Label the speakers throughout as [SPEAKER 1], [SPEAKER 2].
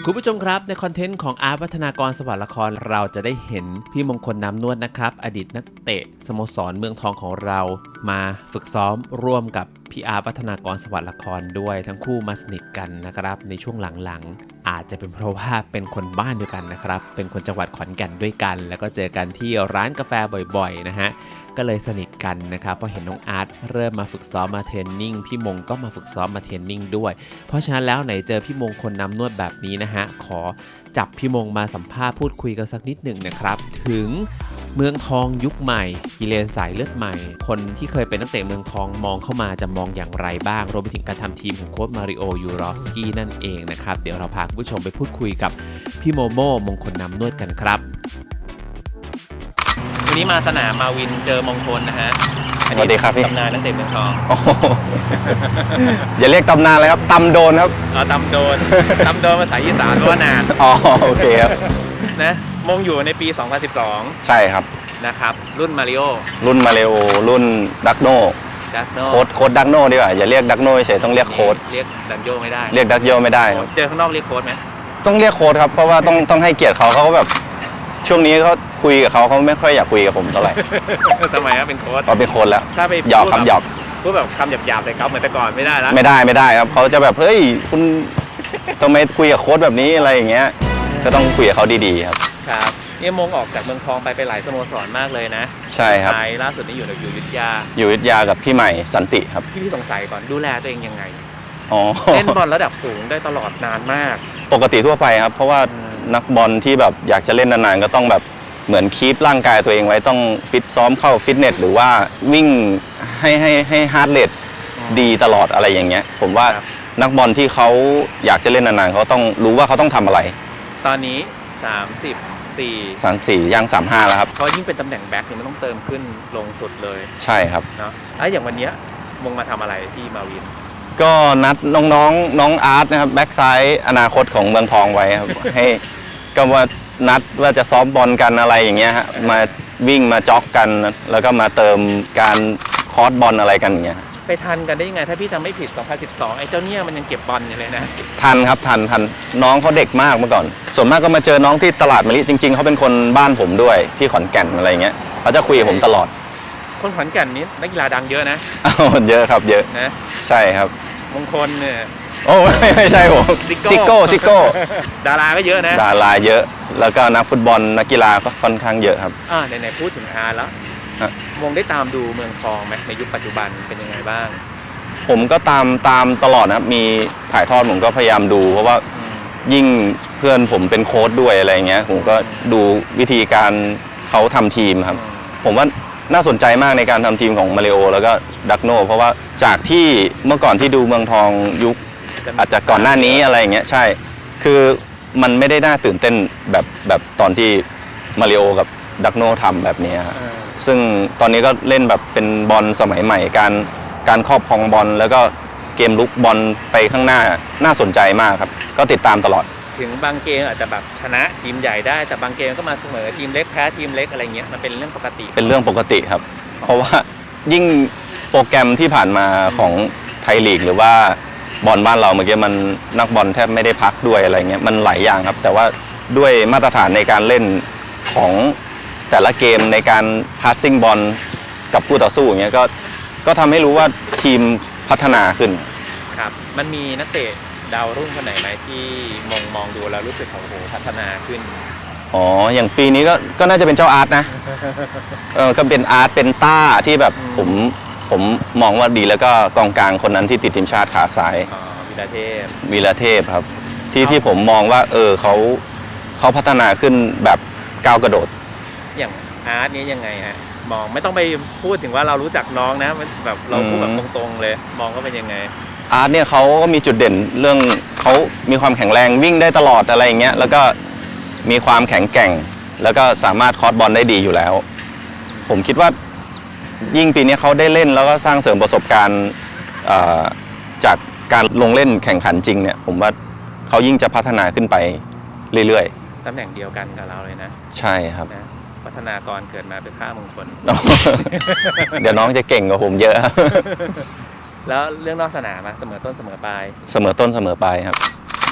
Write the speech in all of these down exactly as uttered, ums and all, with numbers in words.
[SPEAKER 1] คุณผู้ชมครับในคอนเทนต์ของอาร์ตวัฒนากรสวัสดิ์ละครเราจะได้เห็นพี่มงคลน้ำนวดนะครับอดีตนักเตะสโมสรเมืองทองของเรามาฝึกซ้อมร่วมกับพี่อาร์ตวัฒนากรสวัสดิ์ละครด้วยทั้งคู่มาสนิทกันนะครับในช่วงหลังๆอาจจะเป็นเพราะว่าเป็นคนบ้านเดียวกันนะครับเป็นคนจังหวัดขอนแก่นด้วยกันแล้วก็เจอกันที่ร้านกาแฟบ่อยๆนะฮะก็เลยสนิทกันนะครับพอเห็นน้องอาร์ตเริ่มมาฝึกซ้อมมาเทรนนิ่งพี่มงก็มาฝึกซ้อมมาเทรนนิ่งด้วยเพราะฉะนั้นแล้วไหนเจอพี่มงคนน้ำนวดแบบนี้นะฮะขอจับพี่มงมาสัมภาษณ์พูดคุยกันสักนิดหนึ่งนะครับถึงเมืองทองยุคใหม่กิเลนสายเลือดใหม่คนที่เคยเป็นนักเตะเมืองทองมองเข้ามาจะมองอย่างไรบ้างรวมไปถึงการทำทีมของโค้ชมาริโอยูรอฟสกี้นั่นเองนะครับเดี๋ยวเราพาคุณผู้ชมไปพูดคุยกับพี่โมโม่มงคลน้ำนวดกันครับวันนี้มาสนามมาวินเจอมงคลนะฮะ
[SPEAKER 2] สวัสดีครับพี่
[SPEAKER 1] ตำนานนักเตะเมืองทอง
[SPEAKER 2] อย่าเรียกตำนานเลยครับตำโดนครับ
[SPEAKER 1] อ๋อตำโดนตำโดนภาษาอีสานว่านาน
[SPEAKER 2] อ๋อโอเคครับ
[SPEAKER 1] นะมงอยู่ในปีสองพันสิบสอง
[SPEAKER 2] ใช่ครับ
[SPEAKER 1] นะครับรุ่นมาริโอ
[SPEAKER 2] รุ่นมาริโอรุ่นดักโน
[SPEAKER 1] ดักโน
[SPEAKER 2] โค้ดโค้ดดักโนดีกว่าอย่าเรียกดักโนเฉยต้องเรียกโค้ด
[SPEAKER 1] เรียกดักโยไม่ได้
[SPEAKER 2] เรียกดักโยไม่ได้
[SPEAKER 1] เจอข้างนอกเรียกโค้ดไหม
[SPEAKER 2] ต้องเรียกโค้ดครับเพราะว่าต้องต้องให้เกียรติเขาเขาแบบช่วงนี้เขาคุยกับเขาเขาไม่ค่อยอยากคุยกับผมเท่าไหร่
[SPEAKER 1] ทำไมครับเป็นโค้ด
[SPEAKER 2] เขาเป็นโค้ดแล้ว
[SPEAKER 1] ถ้าไป
[SPEAKER 2] หยอกคำหยอก
[SPEAKER 1] พูดแบบคำหยาบๆเลยครับเหมือนแต่ก่อนไม่ได้แล้ว
[SPEAKER 2] ไม่ได้ไม่ได้ครับเขาจะแบบเฮ้ยคุณทำไมคุยกับโค้ดแบบนี้อะไรอย่างเงี้ยก็ต้องคุยกับเขาดีๆครับ
[SPEAKER 1] ครับนี่มงออกจากเมืองทองไปไปหลายสโมสรมากเลยนะ
[SPEAKER 2] ใช่ครับ
[SPEAKER 1] ล่าสุดนี้อยู่อยู่อยุธยา
[SPEAKER 2] อยู่อยุธยากับพี่ใหม่สันติครับ
[SPEAKER 1] พี่สงสัยก่อนดูแลตัวเองยังไง
[SPEAKER 2] อ๋อ
[SPEAKER 1] เล่นบอลระดับสูงได้ตลอดนานมาก
[SPEAKER 2] ปกติทั่วไปครับเพราะว่านักบอลที่แบบอยากจะเล่นนานๆก็ต้องแบบเหมือนคีปร่างกายตัวเองไว้ต้องฟิตซ้อมเข้าฟิตเนสหรือว่าวิ่งให้ให้ให้ฮาร์ดเรทดีตลอดอะไรอย่างเงี้ยผมว่านักบอลที่เขาอยากจะเล่นนานๆเขาต้องรู้ว่าเขาต้องทำอะไร
[SPEAKER 1] ตอนนี้สามสิบสี่
[SPEAKER 2] สามสิบสี่ย่างสามสิบห้าแล้วครับ
[SPEAKER 1] เพราะยิ่งเป็นตำแหน่งแบ็คเนี่ยมันต้องเติมขึ้นลงสุดเลย
[SPEAKER 2] ใช่ครับ
[SPEAKER 1] เนาะแล้วอย่างวันนี้มงมาทำอะไรที่มาวิน
[SPEAKER 2] ก็นัดน้องๆ น้องน้องอาร์ตนะครับแบ็คซ้ายอนาคตของเมืองทองไว้ครับ ให้ก็ว่านัดว่าจะซ้อมบอลกันอะไรอย่างเงี้ยฮะมาวิ่งมาจ็อกกันแล้วก็มาเติมการคอร์สบอลอะไรกันอย่างเงี้ย
[SPEAKER 1] ไปทันกันได้ยังไงถ้าพี่จำไม่ผิดสองพันสิบสองไอ้เจ้าเนี่ยมันยังเก็บบอลอยู่เลยนะ
[SPEAKER 2] ทันครับทันทันน้องเขาเด็กมากเมื่อก่อนส่วนมากก็มาเจอน้องที่ตลาดมะลิจริงๆเขาเป็นคนบ้านผมด้วยที่ขอนแก่นอะไรเงี้ยเขาจะคุยกับผมตลอด
[SPEAKER 1] คนขอนแก่นนี้นักกีฬาดังเยอะนะ
[SPEAKER 2] อ้าวเยอะครับเยอะ
[SPEAKER 1] นะ
[SPEAKER 2] ใช่ครับ
[SPEAKER 1] มงคลเนี่ย
[SPEAKER 2] โอ้ไม่ไม่ใช่ผมซิโก้ซิโก้
[SPEAKER 1] ดาราก็เยอะนะ
[SPEAKER 2] ดาราเยอะแล้วก็นักฟุตบอลนักกีฬาก็ค่อนข้างเยอะครับ
[SPEAKER 1] อ่าไหนๆพูดถึงอาร์แล้วมงได้ตามดูเมืองทองไหมในยุคปัจจุบันเป็นยังไงบ้าง
[SPEAKER 2] ผมก็ตามตามตลอดนะครับมีถ่ายทอดผมก็พยายามดูเพราะว่ายิ่งเพื่อนผมเป็นโค้ชด้วยอะไรเงี้ยผมก็ดูวิธีการเขาทำทีมครับผมว่าน่าสนใจมากในการทำทีมของมาริโอแล้วก็ดักโนเพราะว่าจากที่เมื่อก่อนที่ดูเมืองทองยุคอาจจะก่อนหน้านี้อะไรอย่างเงี้ยใช่คือมันไม่ได้น่าตื่นเต้นแบบแบบตอนที่มาริโอกับดักโนทำแบบนี้ครับซึ่งตอนนี้ก็เล่นแบบเป็นบอลสมัยใหม่การการครอบครองบอลแล้วก็เกมลุกบอลไปข้างหน้าน่าสนใจมากครับก็ติดตามตลอด
[SPEAKER 1] ถึงบางเกมอาจจะแบบชนะทีมใหญ่ได้แต่บางเกมก็มาเสมอทีมเล็กแพ้ทีมเล็กอะไรเงี้ยมันเป็นเรื่องปกติ
[SPEAKER 2] เป็นเรื่องปกติครับเพราะว่ายิ่งโปรแกรมที่ผ่านมาของไทยลีกหรือว่าบอลบ้านเราเมื่อกี้มันนักบอลแทบไม่ได้พักด้วยอะไรเงี้ยมันหลายอย่างครับแต่ว่าด้วยมาตรฐานในการเล่นของแต่ละเกมในการพาสซิ่งบอลกับคู่ต่อสู้อย่างเงี้ยก็ก็ทำให้รู้ว่าทีมพัฒนาขึ้น
[SPEAKER 1] ครับมันมีนักเตะดาวรุ่งคนไหนไหมที่มองมองดูแล้วรู้สึกของโหพัฒนาขึ้น
[SPEAKER 2] อ๋ออย่างปีนี้ก็ก็น่าจะเป็นเจ้าอาร์ตนะเออก็เป็นอาร์ตเป็นต้าที่แบบผมผมมองว่าดีแล้วก็กองกลางคนนั้นที่ติดทีมชาติขาซ้าย
[SPEAKER 1] อ๋อวีระเทพ
[SPEAKER 2] วีระเทพครับที่ที่ผมมองว่าเออเขาเขาพัฒนาขึ้นแบบก้าวกระโดด
[SPEAKER 1] อย่างอาร์ตนี้ยังไงฮะมองไม่ต้องไปพูดถึงว่าเรารู้จักน้องนะแบบเราพูดแบบตรงๆเลยมองก็เป็นยังไง
[SPEAKER 2] อาร์ตเนี่ยเขาก็มีจุดเด่นเรื่องเขามีความแข็งแรงวิ่งได้ตลอดอะไรอย่างเงี้ยแล้วก็มีความแข็งแกร่งแล้วก็สามารถคอร์สบอลได้ดีอยู่แล้วผมคิดว่ายิ่งปีนี้เขาได้เล่นแล้วก็สร้างเสริมประสบการณ์จากการลงเล่นแข่งขันจริงเนี่ยผมว่าเขายิ่งจะพัฒนาขึ้นไปเรื่อย
[SPEAKER 1] ๆตำแหน่งเดียวกันกับเราเลยนะ
[SPEAKER 2] ใช่ครับ
[SPEAKER 1] พัฒนากรเกิดมาเป็นข้ามงคล
[SPEAKER 2] เดี๋ยวน้องจะเก่งกว่าผมเยอะ
[SPEAKER 1] แล้วเรื่องนอกสนามเสมอต้นเสมอปลาย
[SPEAKER 2] เสมอต้นเสมอปลายครับ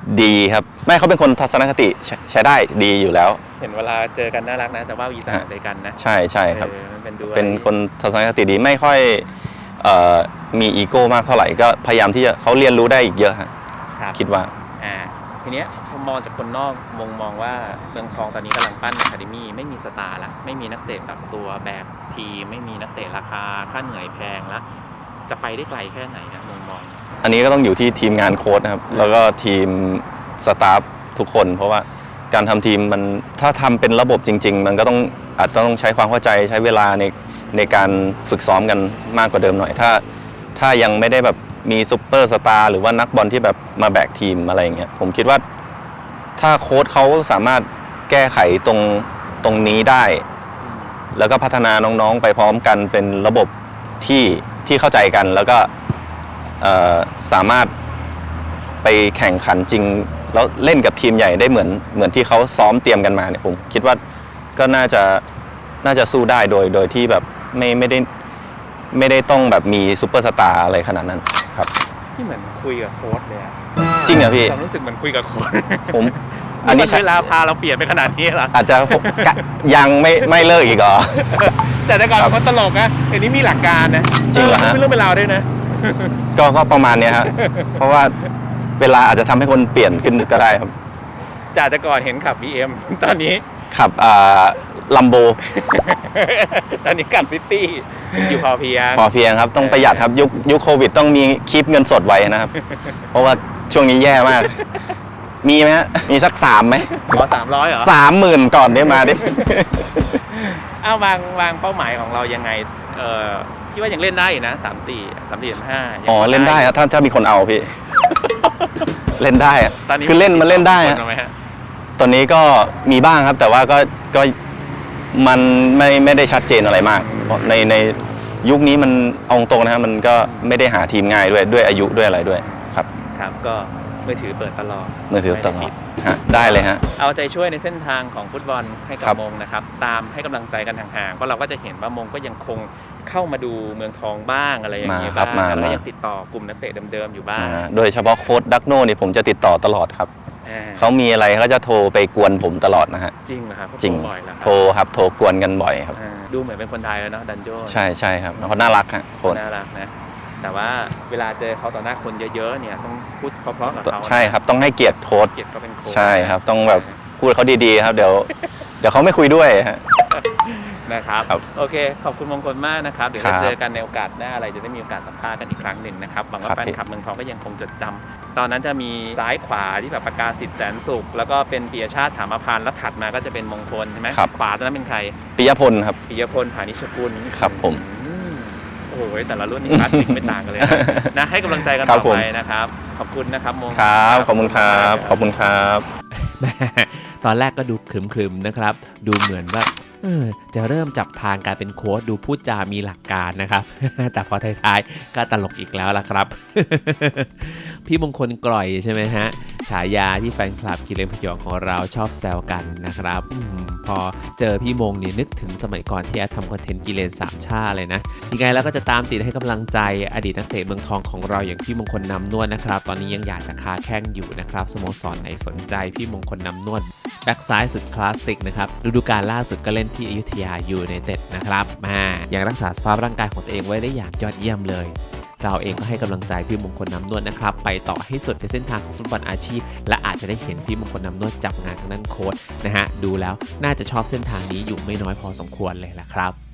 [SPEAKER 2] ดีครับไม่เขาเป็นคนทัศนคติใช้ใช้ได้ดีอยู่แล้ว
[SPEAKER 1] เห็นเวลาเจอกันน่ารักนะแต่ว่าอีสานด้วยกันนะ
[SPEAKER 2] ใช่ใช่ครับ
[SPEAKER 1] เออมันเป็นดูอะไร
[SPEAKER 2] เป็นคนทัศนคติดีไม่ค่อยเอ่อมีอีโก้มากเท่าไหร่ก็พยายามที่จะเขาเรียนรู้ได้อีกเยอะฮะ
[SPEAKER 1] ครับ
[SPEAKER 2] คิดว่า
[SPEAKER 1] อ่าทีเนี้ยผมมองจากคนนอกมองมองว่าเมืองทองตอนนี้กำลังปั้นอะคาเดมี่ไม่มีสตาร์ละไม่มีนักเตะแบบตัวแบกทีมไม่มีนักเตะราคาค่าเหนื่อยแพงแล้วจะไปได้ไกลแค่ไหนนะมองมอง
[SPEAKER 2] อันนี้ก็ต้องอยู่ที่ทีมงานโค้ชนะครับแล้วก็ทีมสตาฟทุกคน เพราะว่าการทำทีมมันถ้าทำเป็นระบบจริง ๆ มันก็ต้องอาจจะต้องใช้ความเข้าใจใช้เวลาในในการฝึกซ้อมกันมากกว่าเดิมหน่อยถ้าถ้ายังไม่ได้แบบมีซุปเปอร์สตาร์หรือว่านักบอลที่แบบมาแบกทีมอะไรอย่างเงี้ยผมคิดว่าถ้าโค้ชเขาสามารถแก้ไขตรงตรงนี้ได้ แล้วก็พัฒนาน้องๆไปพร้อมกันเป็นระบบที่ที่เข้าใจกันแล้วก็เอ่อสามารถไปแข่งขันจริงแล้วเล่นกับทีมใหญ่ได้เหมือนเหมือนที่เขาซ้อมเตรียมกันมาเนี่ยผมคิดว่าก็น่าจะน่าจะสู้ได้โดยโดยที่แบบไม่ไม่ได้ไม่ได้ต้องแบบมีซูเปอร์สตาร์อะไรขนาดนั้นครับ
[SPEAKER 1] ที่เหมือนคุยกับโค้ชเลยอะ
[SPEAKER 2] จริงเหรอพี่
[SPEAKER 1] ความรู้สึกเหมือนคุยกับโค้ช
[SPEAKER 2] ผมอั
[SPEAKER 1] อั
[SPEAKER 2] น
[SPEAKER 1] น
[SPEAKER 2] นี้
[SPEAKER 1] นี้
[SPEAKER 2] ใช่
[SPEAKER 1] เวลาพาเราเปลี่ยนไปขนาดนี้เหรอ
[SPEAKER 2] อาจจะผมกะยังไม่ไม่เลิกอีกเหรอ
[SPEAKER 1] แต่แต่ก่อน
[SPEAKER 2] ครับ
[SPEAKER 1] เขาตลกนะเดี๋ยวนี้มีหลักการนะ
[SPEAKER 2] จริงเหรอฮะ
[SPEAKER 1] ไม่เรื่องเป็นราวด้วยนะ
[SPEAKER 2] ก็ก็ประมาณเนี้ยครับเพราะว่าเวลาอาจจะทำให้คนเปลี่ยนขึ้นก็ได้ครับ
[SPEAKER 1] จากแต่ก่อนเห็นขับ บี เอ็ม ตอนนี้
[SPEAKER 2] ขับอ่าลัมโบ
[SPEAKER 1] ตอนนี้ขับซิตี้อยู่พอเพียง
[SPEAKER 2] พอเพียงครับต้องประหยัดครับยุคยุคโควิดต้องมีคีปเงินสดไว้นะครับ เพราะว่าช่วงนี้แย่มาก มีไหมฮะมีสักสามไหม
[SPEAKER 1] ขอสามร้อยเหรอ
[SPEAKER 2] สามหมื่นก่อนได้มาดิ
[SPEAKER 1] เอาวางวางเป้าหมายของเรายังไงเออพี่ว่ายังเล่นได้อยู่นะสามสี่สามสี่สามห้า
[SPEAKER 2] อ๋อเล่นได้ครับถ้าถ้ามีคนเอาพี่ เล่นได้อะ
[SPEAKER 1] ตอนนี้
[SPEAKER 2] คือเล่นมันเล่นได้
[SPEAKER 1] ค
[SPEAKER 2] อะ
[SPEAKER 1] นไหมฮะ
[SPEAKER 2] ตอนนี้ก็มีบ้างครับ แต่ว่าก็ก็มันไม่ไม่ได้ชัดเจนอะไรมากเพราะในในยุคนี้มันเอาตรงๆนะครับมันก็ไม่ได้หาทีมง่ายด้วยด้วยอายุด้วยอะไรด้วยครับ
[SPEAKER 1] ครับก็มือถือเปิดตลอด
[SPEAKER 2] มือถือตลอ
[SPEAKER 1] ไม่
[SPEAKER 2] ด
[SPEAKER 1] ได
[SPEAKER 2] ฮะได้เลยฮะ
[SPEAKER 1] เอาใจช่วยในเส้นทางของฟุตบอลให้กั
[SPEAKER 2] ครับ บ
[SPEAKER 1] มงนะครับตามให้กำลังใจกันห่างๆเพราะเราก็จะเห็นว่ามงก็ยังคงเข้ามาดูเมืองทองบ้างอะไรอย่างเงี้ย
[SPEAKER 2] มาครับ
[SPEAKER 1] บ้าง
[SPEAKER 2] มา
[SPEAKER 1] แล้วก็
[SPEAKER 2] มา
[SPEAKER 1] ยังติดต่อกลุ่มนักเตะเดิมๆอยู่บ้าง
[SPEAKER 2] อ่าโดยเฉพาะโค้ดดักโน่นี่ผมจะติดต่อตลอดครับ
[SPEAKER 1] อ่า
[SPEAKER 2] เขามีอะไรเขาจะโทรไปกวนผมตลอดนะฮะ
[SPEAKER 1] จริงเหรอครับเขา
[SPEAKER 2] จริง
[SPEAKER 1] โทบ่อยแล้ว
[SPEAKER 2] โทรครับโทรกวนกันบ่อยครับ
[SPEAKER 1] ดูเหมือนเป็นคนไทยแล้วเนาะดันโจ
[SPEAKER 2] ใช่ใช่ครับเขาน่ารักฮะโค้ด
[SPEAKER 1] น่ารักนะแต่ว่าเวลาเจอเขาต่อหน้าคนเยอะๆเนี่ยต้องพูดเพราะๆกับเขานะ
[SPEAKER 2] ใช่ครับต้องให้เกียรติโค้ด
[SPEAKER 1] เกียรติเขาเป็นโค้ช
[SPEAKER 2] ใช่ครับต้องแบบพูดเขาดีๆครับเดี๋ยวเดี๋ยวเขาไม่คุยด้วยฮะ
[SPEAKER 1] นะครับ
[SPEAKER 2] ครับ
[SPEAKER 1] โอเคขอบคุณมงคลมากนะครับเดี๋ยว
[SPEAKER 2] ครั
[SPEAKER 1] จะ
[SPEAKER 2] บ
[SPEAKER 1] เจอกันในโอกาสหน้าอะไรจะได้มีโอกาสสัมภาษณ์กันอีกครั้งหนึ่งนะครับหวัง
[SPEAKER 2] ครั
[SPEAKER 1] ว่า
[SPEAKER 2] บ
[SPEAKER 1] แฟนคลับเมืองทองก็ยังคงจดจำตอนนั้นจะมีซ้ายขวาที่แบบประกาศสิทธิ์แสนสุขแล้วก็เป็นปิยชาติถามพานแล้วถัดมาก็จะเป็นมงคลใช่ไหม
[SPEAKER 2] ครับ
[SPEAKER 1] ขวาตอนนั้นเป็นใคร
[SPEAKER 2] ปิยพลครับ
[SPEAKER 1] ปิยพลผานิชกุล
[SPEAKER 2] ครับผม
[SPEAKER 1] อืมโอ้โหแต่ละรุ่นนี่คลาสสิกไม่ต่างกันเลยนะ นะให้กำลังใจกัน
[SPEAKER 2] ครั
[SPEAKER 1] ต่
[SPEAKER 2] บ
[SPEAKER 1] อ
[SPEAKER 2] ผม
[SPEAKER 1] ไปนะครับขอบคุณนะครับมง
[SPEAKER 2] ครับขอบคุณครับขอบคุณครับ
[SPEAKER 1] แหมตอนแรกก็ดูครึมๆนะครับ ดูเหมือนว่าเออจะเริ่มจับทางการเป็นโค้ชดูพูดจามีหลักการนะครับ แต่พอท้ายๆก็ตลกอีกแล้วล่ะครับ พี่มงคลกล่อยใช่ไหมฮะฉายาที่แฟนคลับกิเลนพยองของเราชอบแซวกันนะครับอมพอเจอพี่มงนี่นึกถึงสมัยก่อนที่แอดทำคอนเทนต์กิเลนสามชาเลยนะยังไงแล้วก็จะตามติดให้กำลังใจอดีตนักเตะเมืองทองของเราอย่างพี่มงคลนำนวดนะครับ ตอนนี้ยังอยากจะค้าแข้งอยู่นะครับสโมสรไหนสนใจพี่มงคลนำนวดแบ็กซ้ายสุดคลาสสิกนะครับฤดูกาลล่าสุดก็เล่นที่อยุธยายูไนเต็ดนะครับมายังรักษาสภาพร่างกายของตัวเองไว้ได้อย่างยอดเยี่ยมเลย เราเองก็ให้กำลังใจพี่มงคลน้ำนวดนะครับไปต่อให้สุดในเส้นทางของฟุตบอลอาชีพและอาจจะได้เห็นพี่มงคลน้ำนวดจับงานทางด้านโค้ชนะฮะดูแล้วน่าจะชอบเส้นทางนี้อยู่ไม่น้อยพอสมควรเลยละครับ